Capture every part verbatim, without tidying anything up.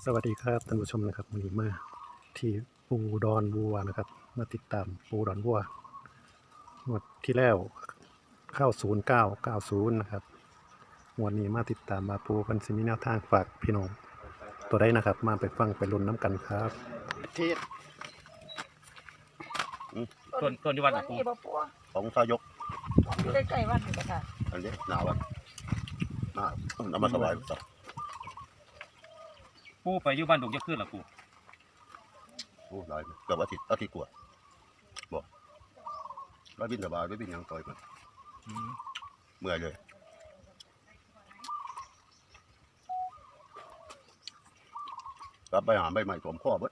สวัสดีครับท่านผู้ชมนะครับวันนี้มาที่ปูดอนวัวนะครับมาติดตามปูดอนวัวงวดที่แล้วเข้าศูนย์เก้าเก้าศูนย์นะครับวันนี้มาติดตามมาปูกันสิมีแนวทางฝากพี่น้องตัวได้นะครับมาไปฟังไปลุ้นน้ำกันครับที่ต้นต้นที่วัดน่ะปูปูของทายกอยู่ใกล้ๆวัดนี่ก็ค่ะอันนี้หนาวอ่ะมาน้ำมันสบายสักปูไปอยู่บ้านดุงจะขึ้นหรอปูโอ้หลายเกือบอาทิตย์อาทิตย์กว่าบอกร้อยบินสบายร้อยบินยังต่อยมันเมื่อยเลยกลับไปหาใบใหม่สวมข้อเบิด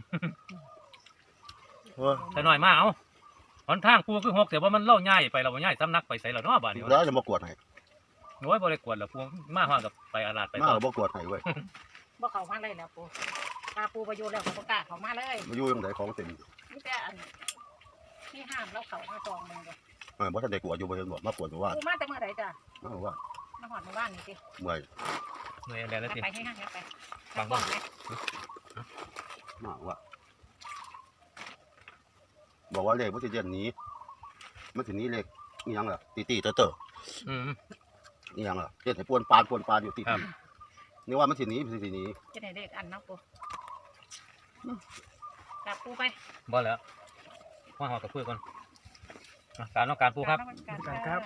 แต่หน่อยมาเอาหนทางปูคือหกแต่ว่ามันเล่าง่ายไปเราง่ายซ้ำนักไปใส่เราเนาะบ้านนี้แล้วจะมากวดให้โอ้ยบริกวดหรอปูมาห้างกับไปอาลาดไปมาบ่กวดให้เว้ยบ่เข้ามาเลยแล้วปูปลาปูประโยชน์แล้วเขาประกล้าศเข้ามาเลยมาอยู่ยังไงของเต็มนี่แต่อันที่ห้ามแล้วเขามาจองมึงเลยเออบ่ทันได้กวดอยู่บ่เห็นบ่มากวดอยู่ว่าปูมาแต่เมื่อไหร่จ้ะมาว่ามาหอดหมู่บ้านนี่สิเมื่อยเมื่อยแล้วไปสิไปให้ห้างไปบางบ้างไหมมาว่าบอกว่าเลขมันสิเดือนนี้มันสินี้เลขอีหยังล่ะตีๆเต๋ออืมๆอีหยังล่ะเฮ็ดให้ปวนปานปวนปานอยู่ติดครับนี่ว่ามันสิหนีมันสิหนีจะได้เลขอันเนาะปูจับปูไปบ่แล้วว่าหอกับเพื่อนก่อนการต้องการปูครับการครับ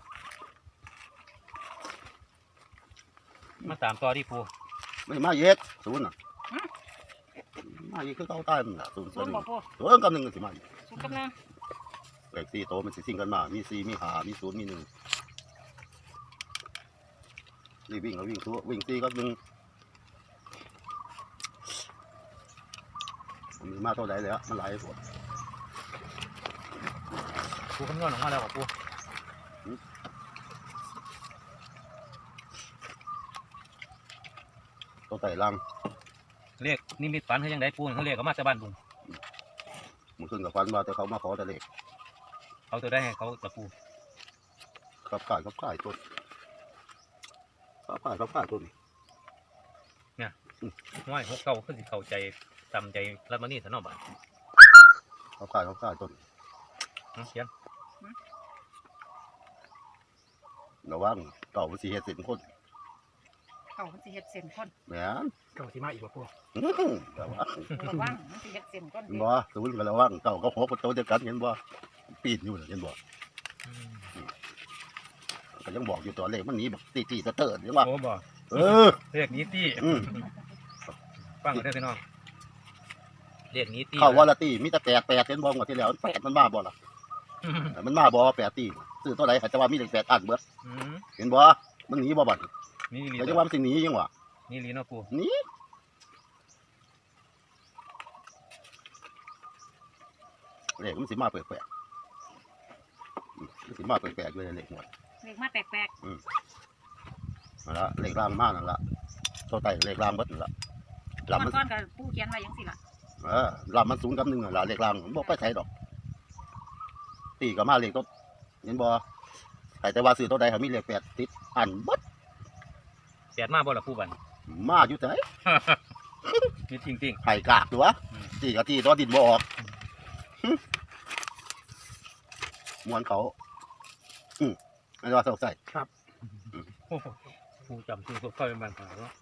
มาตามต่อที่ปูไม่มาเย็ดศูนย์น่ะมาเย็ดคือเก่าใต้มันน่ะศูนย์ศูนย์บอกปูศูนย์กับหนึ่งก็สิมาอีกศูนย์กำลังเลขสี่โตมันสิสิ่งกันมามีสี่มีห้ามีศูนย์มีหนึ่งนี่วิ่งแล้ววิ่งตัววิ่งสี่กับหนึ่งมันมีมาเท่าไหร่แล้วมันหลายปวดปูคำนวณออกมาแล้วปูตัวไต่ลังเรียกนิมิตฝันเขายังได้ปูเขาเรียกเขามาจากบ้านบุงมันขึ้นกับฟันมาแต่เขามาขอแต่เลขเขาตัวได้ให้เขาตะปูขับข่ายขับข่ายต้นขับข่ายขับข่ายต้นน้อยหกเก้าขึ้นสิเข้าใจจำใจรัฐมนี่สนอบ้านขับข่ายขับข่ายต้นเขียนระวังเก่ามันสีเห็ดสิบคนเขามันสิเฮ็ดเส้นคนแหมนเก้าที่มาอีกว่าปูอื้อหือระวังระวังมันสิเฮ็ดเส้นคนเห็นบ่ศูนย์กันระวังเก่าก็หกประตูเดียวกันเห็นบ่ปีนอยู่น่ะเห็นบ่ก็ยังบอกอยู่ตัวเลขมันหนีแบบตีตีเตอร์ๆเห็นบ่โอ้บ่เออเรียกนี้ตี้อืมฟังกันได้พี่น้องเรียกนี้ตี้เข้าว่าละตีมีแต่แปดแปดเห็นบ่งวดที่แล้วแปดมันมาบ่ล่ะมันมาบ่แปดตีซื้อตัวไหนเขาจะว่ามีเลขแปดอันเบิดอืมเห็นบ่มันหนีบ่บัดนี่ลีเขาจะว่ามันสิหนียังวะนี่ลีเนาะปูหนีเลขมันสิมาแปลกๆอืมมันสิมาแปลกๆเลยเลขหมดเลขมาแปลกนั่นละเลขล่างมากนั่นละตัวไต่เลขล่างเบิดนั่นละๆลำมันก้อนๆกับปูเขียนไว้ยังสิล่ะเออลำมันศูนย์กับหนึ่งนั่นละเลขล่างมันบอกไปใช้ดอก ตีกับมาเลขตัวเห็นบ่ใครแต่ว่าซื้อตัวใดเขามีเลขแปดติดอันเบิดแปดมาบ่ล่ะปูบันมาอยู่ไหนนี่จริงจริงไข่กากตัวอืมตีกับตีตัวดินบ่ออกหึมวนเขาอืมอันนี้ว่าใส่โอ้โหปูจำชื่อพวกเขาเป็นบางขาเนาะ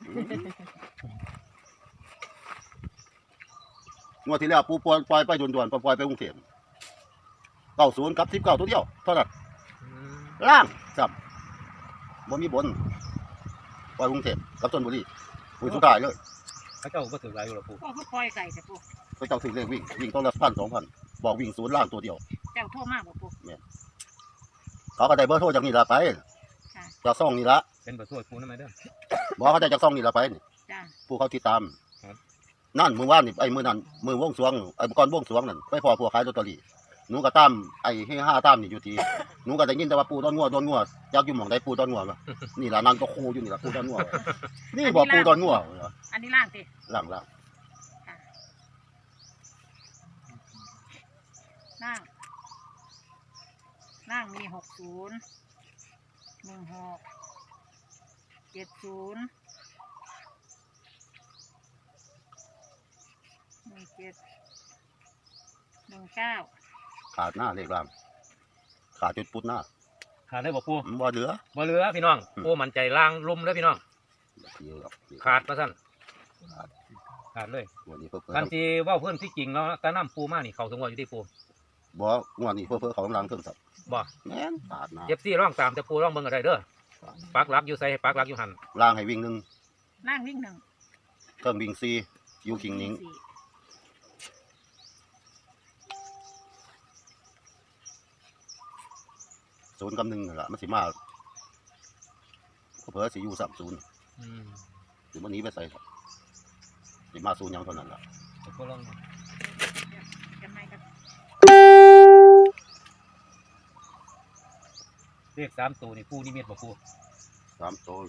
งวดที่แล้วปูปล่อยปล่อยไปด่วนๆปล่อยไปกรุงเทพเก้าศูนย์กับสิบเก้าตัวเดียวเท่านั้นอืมล่างจับบ่มีบนปล่อยกรุงเทพกับชลบุรีปุยสุดท้ายเลยเขาเจ้าก็ถือหลายอยู่ล่ะปูพวกเขาปล่อยไก่แต่ปูเขาเจ้าถึงเลขวิ่งวิ่งต้องละพันสองพันบอกวิ่งศูนย์ล่างตัวเดียวเจ้าโทรมาบอกปูเขาก็ได้เบอร์โทรจากนี่ละไปค่ะจากซ่องนี่ละเป็นประตูปูนั่นไหมเด้อบอกเขาได้จากซ่องนี่ละไปนี่จ้าผู้เขาติดตามครับนั่นมือว่านนี่ไอ้มือนั่นมือวงสรวงไอ้ก่อนวงสรวงนั่นไปพอพวกขายลอตเตอรี่หนูก็ตามไอ้ให้ห้าตามนี่อยู่ทีหนูก็ได้ยินแต่ว่าปูต้นงัวต้นงัวอยากอยู่หม่องใดปูต้นงัววะนี่ละนั่งก็คูอยู่นี่ละปูต้นงัวนี่บอกปูต้นงัวอันนี้ล่างสิหลังละล่างล่างมีหกศูนย์หนึ่งหกเจ็ดศูนย์เจ็ดหนึ่งเก้าขาดหน้าเลขล่างขาดจุดปุ๊ดหน้าขาดได้บ่ปูมันบ่เหลือบ่เหลือพี่น้องอืมปูมั่นใจล่างลุ่มเลยพี่น้องเยอะหรอกขาดมาสั่นขาดเลยวันนี้เพิ่มคันที่เว่าเพื่อนที่จริงแล้วแต่น้ำปูมานี่เขาสงวนอยู่ที่ปูบ่งวดนี้เพิ่มเขากำลังเครื่องสับบ่แม่นขาดหน้าเจ็บซี่ร่องตามแต่ปูร่องเบิ่งอะไรเด้อปักหลักอยู่ใส่ให้ปักหลักอยู่หันล่างให้วิ่งหนึ่งล่างวิ่งหนึ่งเครื่องวิ่งซีอยู่คิงนิ้งสี่ศูนย์กับหนึ่งนั่นแหละมันสิมาเพิ่มสิอยู่สามศูนย์อืมหรือมันหนี้ไปใส่ครับสิมาศูนย์หยังเท่านั้นแหละเดี๋ยวปูลองดูกันไหมครับเลขสามตัวนี่ปูนี่เม็ดบ่ปูสามโตว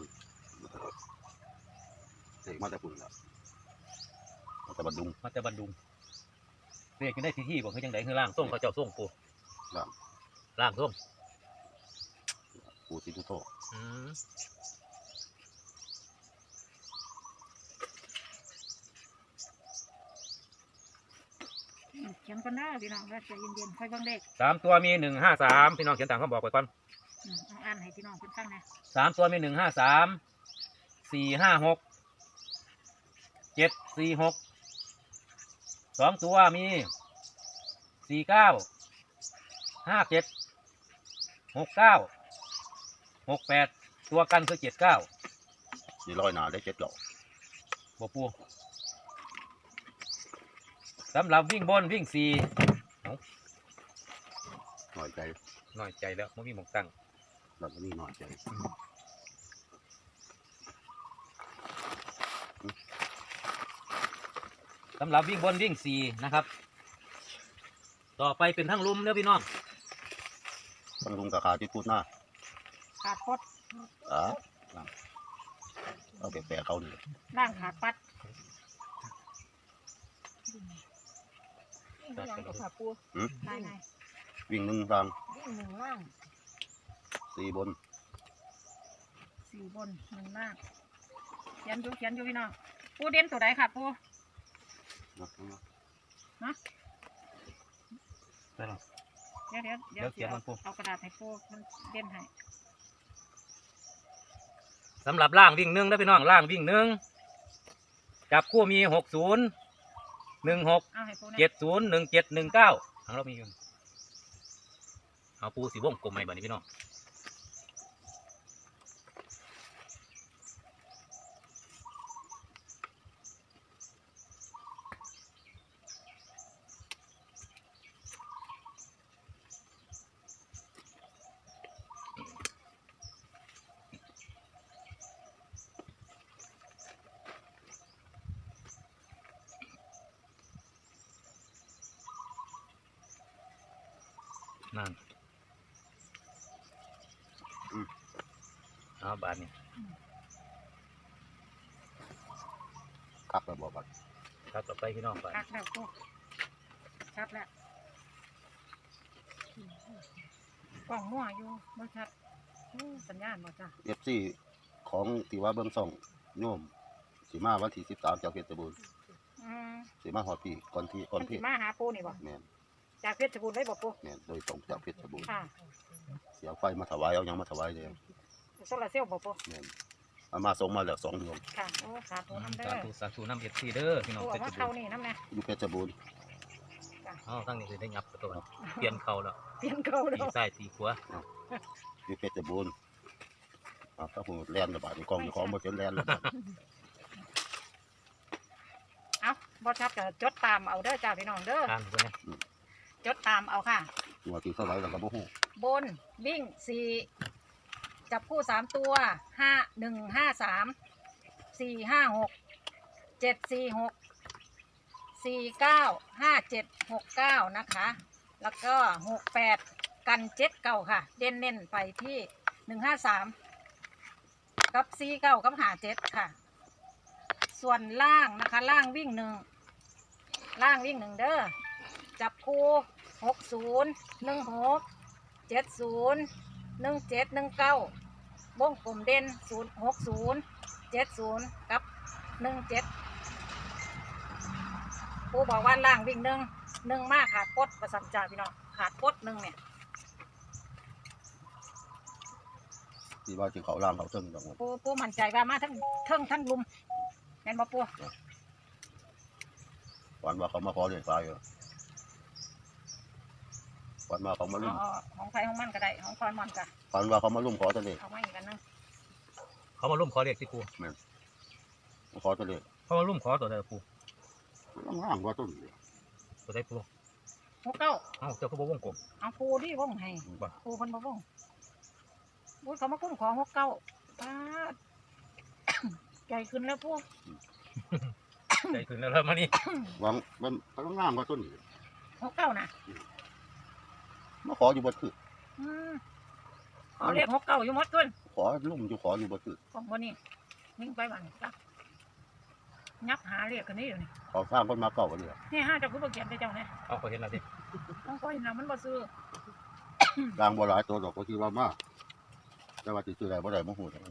เด็กมาแต่ปุ่นละมาแต่บัดดุงมาแต่บันดุงเลขยังได้ที่ที่บ่คือจังไดคือล่างส่งเขาเจ้าส่งปูล่างล่างส่งปูสิทุโตอืมเขียนกันได้พี่น้องว่าใจเย็นๆค่อยเบิ่งเลขสามตัวมีหนึ่งห้าสามพี่น้องเขียนตามเขาบอกไว้ก่อนอืมเอาอ่านให้พี่น้องเพิ่นฟังนะสามตัวมีหนึ่งห้าสามสี่ห้าหกเจ็ดสี่หกสองตัวมีสี่เก้าห้าเจ็ดหกเก้าหกแปดตัวกันคือเจ็ดเก้าสีร้อยหนาได้เจ็ดดอกบวปูสำหรับวิ่งบนวิ่งสี่หน่อยใจหน่อยใจแล้วไม่มีหมองตั้งเราจะมีหน่อยใจสำหรับวิ่งบนวิ่งสี่นะครับ ต่อไปเป็นทั้งลุมเด้อพี่น้องต้องลุงกับขาที่พูดหน้าขาดพดอ่ะเอาแปะๆเขานี่ล่างขาดปัดวิ่งยังกับขาปูภายในวิ่งหนึ่งรางวิ่งหนึ่งล่างสี่บนสี่บนหนึ่งล่างเขียนอยู่เขียนอยู่พี่น้องปูเด่นตัวใดค่ะปูนะได้หรอเดี๋ยวเดี๋ยวเดี๋ยวเขียนมันปูเอากระดาษให้ปูมันเด่นให้สำหรับล่างวิ่งหนึ่งนะพี่น้องล่างวิ่งหนึ่งจับคู่มีหกศูนย์หนึ่งหกเอาให้ปูนะเจ็ดศูนย์หนึ่งเจ็ดหนึ่งเก้าทางเรามีอยู่เอาปูสีวงกลมใหม่บัดนี้พี่น้องนั่นเอาบาทนี้คักแล้วบอกว่าครับต่อไปพี่น้องบาทคักแล้วปูชัดแล้วกล่องมั่วอยู่บ่ชัดอู้สัญญาณบ่จ้ะเอฟซีของที่ว่าเบื้องส่องโยมสีมาวันที่สิบสามจากเพชรบูรณ์อืมสีมาหอดพี่ก่อนที่ก่อนมันเพสิชรมาหาปูนี่บ่แม่นจากเพชรบูรณ์ได้บ่ปูแม่นโดยตรงจากเพชรบูรณ์ค่ะเสียไฟมาถวายเอาหยังมาถวายเลยโซลาร์เซลล์บ่ปูแม่นเอามาส่งมาแล้วสองดวงค่ะโอ้สาธุน้ำเด้สาอธุสาธุน้ำเอฟซีเด้อพี่น้องปูเพเอาชรมาบูเข้ารณ์นี่น้ำนะอยู่เพชรบูรณ์อ๋อตั้งนี้คือได้ยับประตูเปลี่ยนเขาแล้วเปลี่ยนเข้าแล้ตีวซ้ายตีขวาอยู่เพชรบูรณ์อ่าถ้าผมแล่นระบาดในกล้องในของบ่เจนแล่นระบาดเอาบ่ชัดก็จดตามเอาเด้อจ้าพี่น้องเด้ออ่านไปเนี่ยจดตามเอาค่ะหัวที่เท่าไหร่แล้วก็บ่ฮู้บนวิ่งสี่จับคู่สามตัวห้าหนึ่งห้าสามสี่ห้าหกเจ็ดสี่หกสี่เก้าห้าเจ็ดหกเก้านะคะ แล้วก็หกแปดกันเจ็ดเก้าค่ะ เด่นเน้นไปที่หนึ่งห้าสามกับสี่เก้ากับหาเจ็ดค่ะ ส่วนล่างนะคะ ล่างวิ่งหนึ่งล่างวิ่งหนึ่งเด้อจับคู่หกศูนย์หนึ่งหกเจ็ดศูนย์หนึ่งเจ็ดหนึ่งเก้าวงกลมเด่นศูนย์หกศูนย์เจ็ดศูนย์กับหนึ่งเจ็ดปูบอกว่าล่างวิ่งหนึ่งหนึ่งมากขาดปดประสันจ่าพี่น้องขาดปดหนึ่งเนี่ยที่ว่าที่เขาล่างเขาเทิงดอกปูปูมั่นใจว่ามาทั้งเทิงทั้งลุมแม่นบ่ปูวันว่าเขามาขอเรียกตายอยู่วันว่าเขามาอ๋ลุ่มอของไฟของมันก็ได้ของคอยมันก็วันว่าเขามาลุ่มขอตัวเลขเอามาอีกอันนึงเขามาร่วมขอเรียกที่ปูขอตัวเลขเขามาร่วมขอตัวใดปูล่างว่าต้นตัวใดปูหกเก้าเอ้าเจ้าก็บ่วงกลมเอาปูดิวงให้บ่ปูคนบ่วงปูเขามาคุ้นขอหกเก้าป้าด ใจขึ้นแล้วปูใจขึ้นแล้วแล้วมานี่วางมันต้องงามว่าต้นหกเก้านะมาขออยู่บนคืออืมขอเรียกหกเก้าอยู่หมดขึ้นขอลุ่มอยู่ขออยู่บนคือของบนนี้นิ่งไปบ้านจ้ะยับหาเรียกกันนี่อยู่นี่เขาสร้างคนมาเก่ากันเลยนี่ห้าเจ้าคือบ่เขียนไปเจ้าเนี่ยเอาเขาเห็นแล้วสิต้องคอยนะมันบ่ซื้อดังบ่หลายตัวดอกก็คิดว่ามากแต่ว่าติดซื้อได้บ่ได้บ่ฮู้จัก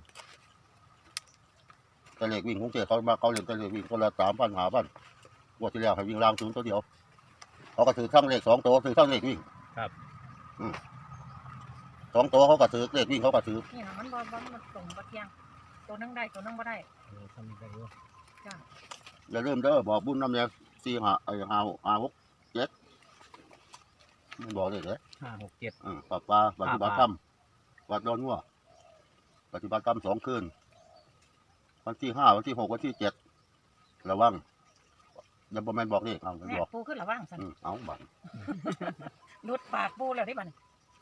แต่เลขวิ่งของเจ้เขามาเขาเล่นแต่เลขวิ่งคนละสามพันห้าพันงวดที่แล้วให้วิ่งล่างศูนย์ตัวเดียวเขาก็ถือทั้งเลขสองตัวถือทั้งเลขวิ่งครับอืมสองตัวเขาก็ถือเลขวิ่งเขาก็ถือนี่นะมันบ่บ่มันตรงบ่เที่ยงตัวนึงได้ตัวนึงบ่ได้เออทำนี่ได้อยู่จ้ะอย่าลืมเด้อบอกบุญน้ำเนี่ยสี่ห้าไอ้ห้าห้าหกเจ็ดมันบอกเลยเหรอห้าหกเจ็ดอืมปลาปลาปฏิบัติธรรมวัดดอนงัวปฏิบัติธรรมสองคืนวันที่ห้าวันที่หกวันที่เจ็ดระวังอย่าบอกแม่นบอกเลขเอาอย่าแม่บอกปูขึ้นระว่างสันอืมเอาบังลุดปากปูแล้วได้บัดนี้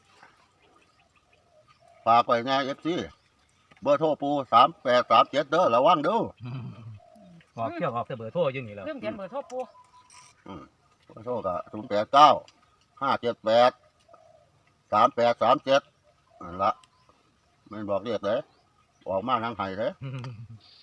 ฝากไปแน่เอฟซีเบอร์โทรปูสามแปดสามเจ็ดเด้อระวังเด้อออกเที่ยวออกแต่เบอร์โทรอยังนี่แล้วเริ่มเขียนเบอร์โทรปูอืมเบอร์โทรก็ศูนย์แปดเก้าห้าเจ็ดแปดสามแปดสามเจ็ดนั่นละแม่นบอกเลขเลยออกมาทางไห้เลยอืม